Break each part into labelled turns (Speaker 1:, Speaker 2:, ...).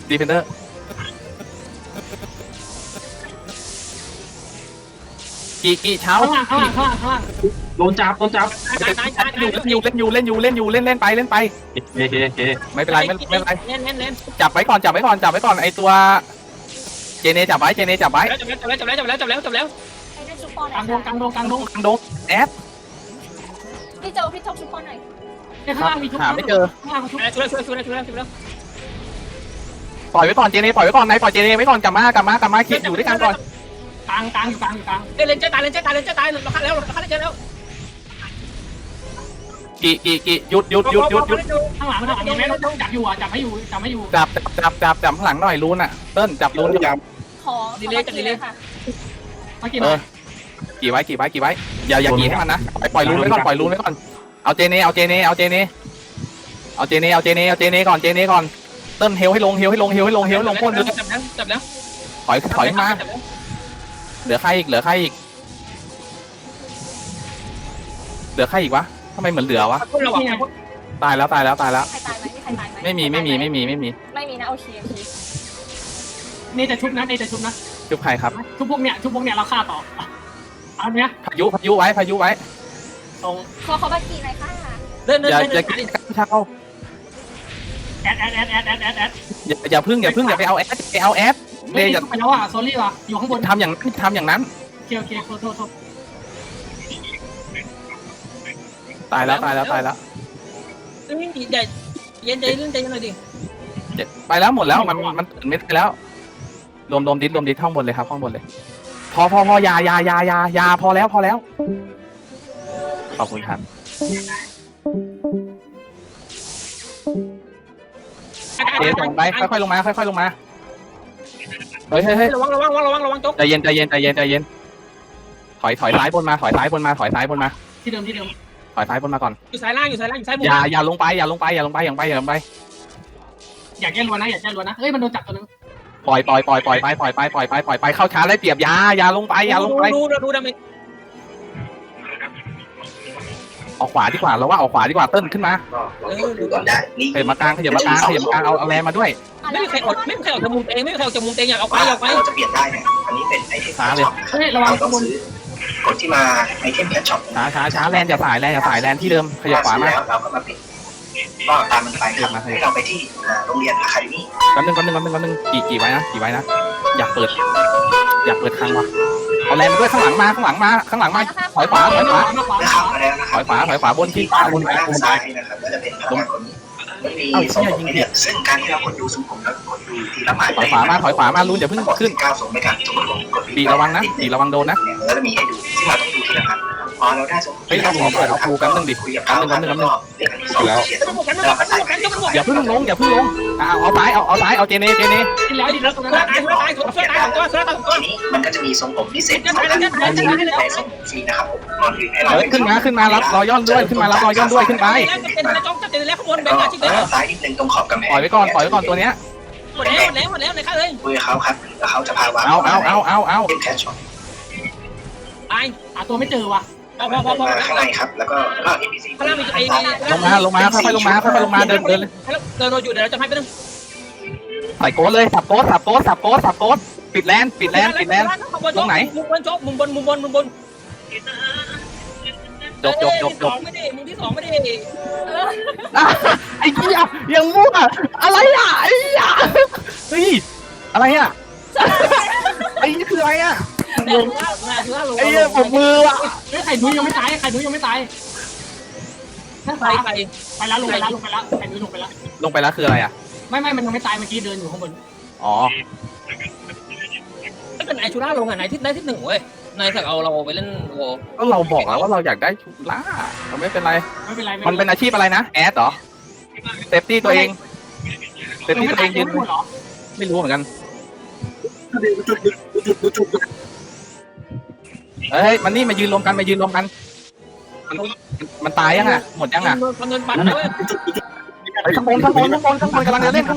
Speaker 1: ดีเฟนเดอร์กี่เช้า
Speaker 2: ข้างล่างโดนจับ
Speaker 1: เล่นอยู่เล่นไปโอเคไม่เป็นไรไม่เป็นไร
Speaker 2: เล่น
Speaker 1: จับไว้ก่อนไอตัวเจเนจับไว้
Speaker 2: จับแล้ว
Speaker 3: ไอ้นั่นชุบปอนหน่อย
Speaker 2: กลางดง
Speaker 1: กลางดงแอด
Speaker 3: พี่โจพี่ทบชุบปอนหน่อย
Speaker 2: ข้างล่างมีทุก
Speaker 1: หาไม่เจอ
Speaker 2: ข้างล่างทุก
Speaker 4: ช่วย
Speaker 1: ปล่อยไว้ก่อนเจเนปล่อยไว้ก่อนนายปล่อยเจเนไว้ก่อนกลับมาคิดอยู่ด้วยกันก่อน
Speaker 2: กลางอยู่กลาง
Speaker 4: เลนเจตายเราฆ่าแล้ว
Speaker 1: กี่หยุด
Speaker 2: ข้างหลังมีไหมต้องจับอยู่จับให้อยู่
Speaker 1: จับข้างหลังหน่อยรูนอ่ะเติ้ลจับรูนอยู่
Speaker 3: ขอค่ะ
Speaker 2: เมื่อกี้
Speaker 1: กี่ไว้อย่ากี่ให้มันนะปล่อยรูนไว้ก่อนเอาเจเนก่อนเติ้ลเฮลให้ลงพ่นเลย
Speaker 4: จับแล้ว
Speaker 1: ถอยมาเหลือใครอีกวะทำไมเหมือนเหลือวะ ตายแล้ว
Speaker 3: ใครตายไหม
Speaker 1: ไม่มี
Speaker 3: นะโอเค
Speaker 2: นี่จะชุบนะ
Speaker 1: จุบใครครับ
Speaker 2: ชุบพวกเนี้ยเราฆ่าต่ออันเนี้ย
Speaker 1: พายุไว้
Speaker 2: ตรง
Speaker 3: ขอเขาบักกี้หน่อยค่ะ
Speaker 1: อย่ากินเช้า
Speaker 2: แอด
Speaker 1: อย่าพึ่งอย่าไปเอาแอดเลยอย่า
Speaker 2: ไปแล้วอ่ะโซลี่ว่ะอยู่ข้างบน
Speaker 1: ทำอย่างนั้น
Speaker 2: โอเคโทษ
Speaker 1: ตายแล้ว
Speaker 4: เย็นใจเรื่องใจหน่อยดิ
Speaker 1: ไปแล้วหมดแล้วมันตื่นไม่ได้แล้วรวมดิสห้องบนเลยครับห้องบนเลยพอยาพอแล้วขอบคุณครับส่งไปค่อยๆลงมาเฮ้ย
Speaker 4: ระวังจก
Speaker 1: ใจเย็นถอยซ้ายบนมา
Speaker 2: ที่เดิม
Speaker 1: ถอยซ้ายบนมาก่อน
Speaker 4: อยู่ซ้ายล่างซ้ายบน
Speaker 1: อย่าลงไป
Speaker 2: อยากแก้รัวนะเฮ้ยมันโดนจับตัวนึง
Speaker 1: ปล่อยไปเข้าช้าได้เปรียบอย่าลงไป
Speaker 4: ดูดาเมจ
Speaker 1: ออกขวาดีกว่าเราว่าออกขวาดีกว่าเติ้ลขึ้นมา
Speaker 5: ดูก่อนได้นี่
Speaker 1: ขยับมากลางเอาแรงมาด้วย
Speaker 4: ไม่มีใครออกจากมุมเองอยากเอาไป
Speaker 5: เราจะเปลี่ยนได้เนี่ยอันนี้เป็นไอเทมแพชช็อป
Speaker 2: เฮ้ยระวัง
Speaker 5: เราต้องซื้อคนที่มาไอเทมแพชช็อป
Speaker 1: ช้าแลนอย่าสายแลนที่เดิมขยับขวามา
Speaker 5: แล้วเราก็มาปิดก็ตามมันไปครับให้เราไปที่โรงเรียนอะคาเดมี่
Speaker 1: แป๊บนึงกี่ไว้นะอยากเปิดครั้งวะเอาแรงมาด้วยข้างหลังมาถอยขวา
Speaker 5: ได้เข้ามาแล้วนะครับ
Speaker 1: ถอยขวาบนที่
Speaker 5: บนซ้ายนะครับก็จะเป็นพนักงานคนนี้มันมีทรงผมให้เลือกซึ่งการที่เรากดดูทรงผมแล้วกดดูทีละหมาย
Speaker 1: ถอยขวามาลุ้นอย่าเพิ่งขึ้น
Speaker 5: 9ทรงไม่กันทุกคนกด
Speaker 1: ปีระวังโดนนะ
Speaker 5: เนี่ยเราจะมีให้ดูซึ่งเราต้องดูทีละอันพอเราได้ทรง
Speaker 1: เฮ้ยเราขอเปิดเอาครูกันนึงดิ
Speaker 5: คุยกับเขาแล้วก็เรียกอันที่สองเขียนเราก็ใส่ไป
Speaker 1: อย่าเพิ่งลงเอาซ้ายเอาเจเน
Speaker 2: ที่แล้วตรงนั้น
Speaker 4: ตายตัว
Speaker 5: ทีนี้มันก็จะมีทรงผมพิเศษสองอันในทรงฟรีนะครับผมก่อนอื่นให้เรา
Speaker 1: ขึ้นมารับรอยย่อนด้วยขึ้นไป
Speaker 4: แล้วจกจับแล้วข้างบนแบ่งอาชีพ
Speaker 5: ซ้ายนิดนึงตรงขอบกำแพง
Speaker 1: ปล่อยไว้ก่อนตัวเนี้ย
Speaker 4: หมดแล้วในค่าเลย
Speaker 5: คุยกับเขาครับแล้วเขาจะพาวาง
Speaker 1: เอา
Speaker 5: เป็นแคชช็อป
Speaker 4: ตาย
Speaker 2: หาตัวไม่เจอว่ะ
Speaker 4: พอ
Speaker 5: มาข้างในครับแล้วก็ NPC
Speaker 4: ข้างล่างมีไอ้
Speaker 1: ลงมาค่อยๆลงมาเดิน
Speaker 4: เดินเราอยู่เดี๋ยวเราจะให้ไปนึง
Speaker 1: ใส่โกดเลยสับโกดปิดแลนตรงไหน
Speaker 4: มุมบนจกมุมบน
Speaker 1: จบ
Speaker 4: ไม่ได้มุมที่2ไม่ได้
Speaker 1: ไอ้เหี้ยยังมั่วอะไรอ่ะไอ้เหี้ยเฮ้ยอะไรอ่ะไอ้นี่คืออะไรอ่ะไอ้เหี้ยผมมือว่ะ
Speaker 2: เฮ้ยไข่นุ้ยยังไม่ตายนั่น
Speaker 4: ไป
Speaker 2: ไปแล้วลงไปแล้วไข่นุ้ยลงไปแล้ว
Speaker 1: คืออะไรอ่ะ
Speaker 2: ไม่มันยังไม่ตายเมื่อกี้เดินอยู่ข้างบน
Speaker 1: อ๋อ
Speaker 4: ไม่เป็นไอชูร่าลงอ่ะไหนที่ได้ที่1เว้ยนายสักเอาเราไปเล่นโว
Speaker 1: ก็เราบอกแล้วว่าเราอยากได้ชุล่าไม่เป็นไร มันเป็นอาชีพอะไรนะแอดเหรอเซฟตี้ตัวเองยืนไม่รู้เหมือนกันเฮ้ยมันนี่มายืนรวมกันมันตายยังอ่ะหมดยังอ่ะ
Speaker 4: เงินปันด้วย
Speaker 1: ข้างบนกำลังจะเล่น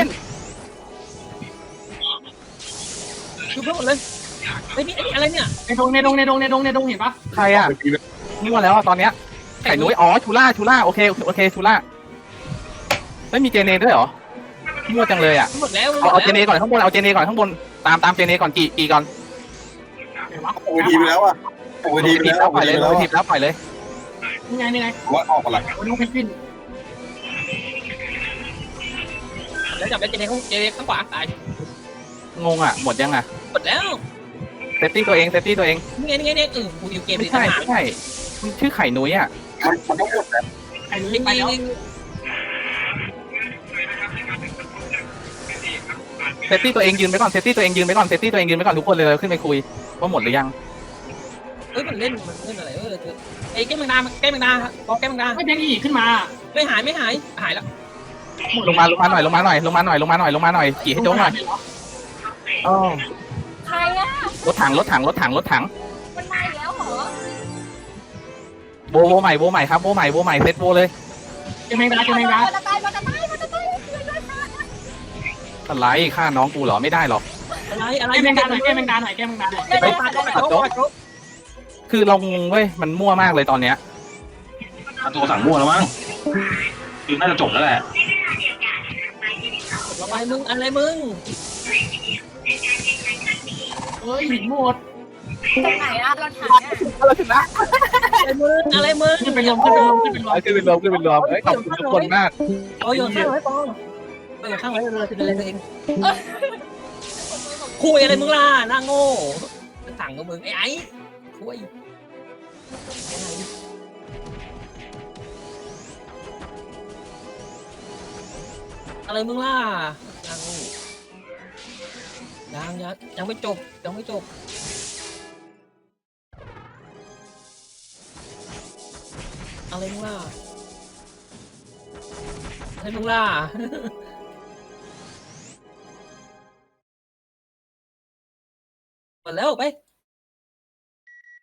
Speaker 4: คือเพิ่มหมดเลยไอ้นี่อะไรเนี่ย
Speaker 2: ในดงเห็นปะ
Speaker 1: ใครอ่ะนี่ว่าแล้วตอนเนี้ยไข่นุ้ยอ๋อชูล่าโอเคชูล่าไม่มีเจเนด้วยเหรอมั่วจังเลยอ่ะ
Speaker 4: หมดแล้ว
Speaker 1: เอาเจเนก่อนข้างบนเอาเจเนก่อนข้างบนตามเจเนก่อนกี่ก่อน
Speaker 2: ไหนวะ
Speaker 6: โอ้ยทีไปแล้วอ่ะโอ้ยทีไป
Speaker 1: ทีบ
Speaker 6: แล้
Speaker 1: แล้ว วปล่อยเลยทีบแล้วปล่อยเลย
Speaker 2: นี่ไง
Speaker 6: ว่าออกอะไร
Speaker 2: โอ้น้องเพนกวิน
Speaker 4: แล้วจับแล้วเจเนข้างขวาตาย
Speaker 1: งงอ่ะหมดยังอ่ะ
Speaker 4: หมดแล้ว
Speaker 1: เซฟตี้ตัวเอง
Speaker 4: นี่ไงกูอยู่เกม
Speaker 1: ไม่ใช่มันชื่อไข่นุ้ยอ่ะ
Speaker 6: มันต้องหมดแล้ว
Speaker 2: ไอ้นุ้ย
Speaker 4: ยิง
Speaker 2: ไปแล้ว
Speaker 1: เซฟตี้ตัวเองยืนไปก่อนทุกคนเลยขึ้นไปคุยว่าหมดหรือยัง
Speaker 4: มันเล่นอะไรไอ้แก้มงนาบอกแก้มงนา
Speaker 2: ไม่เพนอีขึ้นมา
Speaker 4: ไม่หายแล้ว
Speaker 1: ลงมาหน่อยขี่ให้โจ๊กหน่อยอ๋อ
Speaker 3: ใครอ่ะ
Speaker 1: รถถัง
Speaker 3: มันมาอีกแล้วเหรอ
Speaker 1: โบใหม่ครับโบใหม่เซตโบเลย
Speaker 2: เจมงดา
Speaker 3: มันจะตาย
Speaker 1: อะไรฆ่าน้องกูเหรอไม่ได้หรอก
Speaker 4: อะไร
Speaker 2: เจมงดาหน่อย
Speaker 1: คือเรางงเว้ยมันมั่วมากเลยตอนเนี้ย
Speaker 7: ตัวสั่งมั่วแล้วมั้งคือน่าจะจบแล้วแหละ
Speaker 4: อะไรมึง
Speaker 2: เฮ้ยหินหมด
Speaker 3: ตรงไหนอ่ะเราถามเนี่ย
Speaker 1: เราชนะ
Speaker 4: อะไรมึง
Speaker 2: ขึ้นเป็นลม
Speaker 1: ขึ้นเป็นรวมขอบคุณทุกคนมาก
Speaker 4: โอ้ยโยนข้างไว้ปองโยนข้างไว้เลยคืออะไรตัวเองคุยอะไรมึงล่ะหน้าโง่สั่งกับมึงไอ้คุยอะไรมึงล่ะยังไม่จบอะไรมึงล่ะหมดแล้วไป